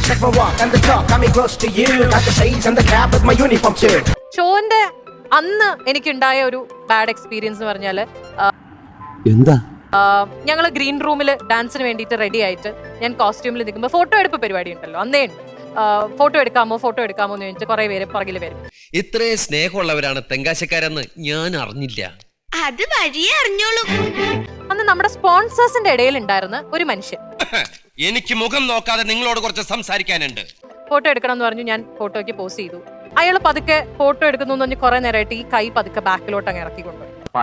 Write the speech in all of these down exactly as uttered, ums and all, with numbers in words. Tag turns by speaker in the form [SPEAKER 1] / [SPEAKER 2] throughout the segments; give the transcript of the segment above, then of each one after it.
[SPEAKER 1] Check my walk and the talk, got me close to you. Got the shades and the cap with my uniform too.
[SPEAKER 2] ഷോന്റെ അന്ന് എനിക്കുണ്ടായ ഒരു bad experience എന്ന് പറഞ്ഞാല്
[SPEAKER 3] എന്താ
[SPEAKER 2] ഞങ്ങൾ green റൂമിൽ ഡാൻസിന് വേണ്ടിയിട്ട് റെഡി ആയിട്ട് ഞാൻ കോസ്റ്റ്യൂമിൽ നിൽക്കുമ്പോൾ ഫോട്ടോ എടുപ്പ് പരിപാടി ഉണ്ടല്ലോ അന്നേ ഉണ്ട്. ഫോട്ടോ എടുക്കാമോ ഫോട്ടോ എടുക്കാമോ എന്ന് ചോദിച്ചാൽ കുറെ പേര് പുറകിൽ വരും.
[SPEAKER 4] ഇത്രയും സ്നേഹമുള്ളവരാണ് തെങ്കാശക്കാരെന്ന് ഞാൻ അറിഞ്ഞില്ല.
[SPEAKER 5] അത് വഴിയേ അറിഞ്ഞോളൂ.
[SPEAKER 2] അന്ന് നമ്മുടെ സ്പോൺസേഴ്സിന്റെ ഇടയിൽ ഉണ്ടായിരുന്ന ഒരു മനുഷ്യൻ
[SPEAKER 4] എനിക്ക് മുഖം നോക്കാതെ നിങ്ങളോട് കുറച്ച് സംസാരിക്കാനുണ്ട്.
[SPEAKER 2] ഫോട്ടോ എടുക്കണം എന്ന് പറഞ്ഞു. ഞാൻ ഫോട്ടോയ്ക്ക് പോസ്റ്റ് ചെയ്തു. അയാൾ പതുക്കെ ഫോട്ടോ എടുക്കുന്നു എന്ന് പറഞ്ഞ് കുറെ നേരമായിട്ട് ഈ കൈ പതുക്കെ ബാക്കിലോട്ട് അങ്ങ് ഇറക്കിക്കൊണ്ടു.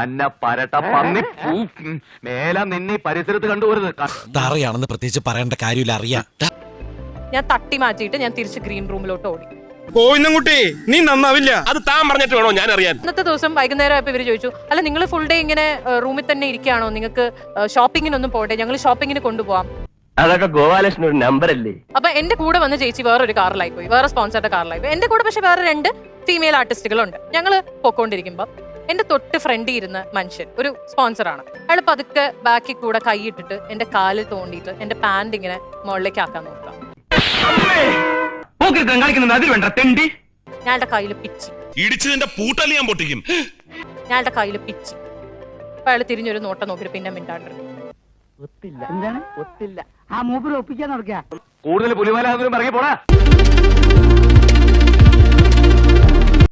[SPEAKER 6] പരിസരത്ത് കണ്ടുപോരുത്
[SPEAKER 3] തറയാണെന്ന് പ്രത്യേകിച്ച് പറയേണ്ട കാര്യമില്ല, അറിയാം.
[SPEAKER 2] ഞാൻ തട്ടി മാറ്റിയിട്ട് ഞാൻ തിരിച്ച് ഗ്രീൻ റൂമിലോട്ട് ഓടി.
[SPEAKER 7] കോയിന്നൻകുട്ടി നീ നന്നാവില്ല. അത് താൻ പറഞ്ഞിട്ട് വേണോ ഞാൻ അറിയാൻ.
[SPEAKER 2] ഇന്നത്തെ ദിവസം വൈകുന്നേരം ആയപ്പോൾ ഇവര് ചോദിച്ചു, അല്ല നിങ്ങൾ ഫുൾ ഡേ ഇങ്ങനെ റൂമിൽ തന്നെ ഇരിക്കുകയാണോ, നിങ്ങൾക്ക് ഷോപ്പിങ്ങിനൊന്നും പോകട്ടെ, ഞങ്ങൾ ഷോപ്പിങ്ങിന് കൊണ്ടുപോകാം.
[SPEAKER 6] അതൊക്കെ ഗോപാലകൃഷ്ണൻ ഒരു നമ്പർ അല്ലേ.
[SPEAKER 2] അപ്പൊ എന്റെ കൂടെ വന്ന് ചേച്ചി വേറൊരു കാറിലായി പോയി, വേറെ സ്പോൺസറുടെ കാറിലായി പോയി. എന്റെ കൂടെ പക്ഷെ വേറെ രണ്ട് ഫീമെയിൽ ആർട്ടിസ്റ്റുകളുണ്ട്. ഞങ്ങൾ പൊക്കോണ്ടിരിക്കുമ്പോൾ എന്റെ തൊട്ട് ഫ്രണ്ടിൽ ഇരുന്ന മനുഷ്യൻ ഒരു സ്പോൺസറാണ്. അയാൾ പതുക്കെ ബാക്കിൽ കൂടെ കൈയിട്ടിട്ട് എന്റെ കാലിൽ തോണ്ടിയിട്ട് എന്റെ പാന്റ് ഇങ്ങനെ മുകളിലേക്ക് ആക്കാൻ നോക്കാം. ഞാളുടെ കയ്യിൽ പിച്ചി
[SPEAKER 7] ഇടിച്ചതിന്റെ പൂട്ടല് ഞാൻ പൊട്ടിക്കും.
[SPEAKER 2] ഞാളുടെ കയ്യിൽ പിച്ചി. അപ്പൊ അയാൾ തിരിഞ്ഞൊരു നോട്ടം നോക്കിയിട്ട് പിന്നെ മിണ്ടാണ്ടിരുന്നു.
[SPEAKER 8] എന്താണ് ഒത്തില്ല ആ മൂപ്പര് ഒപ്പിക്കാൻ നടക്കുക.
[SPEAKER 6] കൂടുതൽ പുലിമല ഇറങ്ങി പോടാ.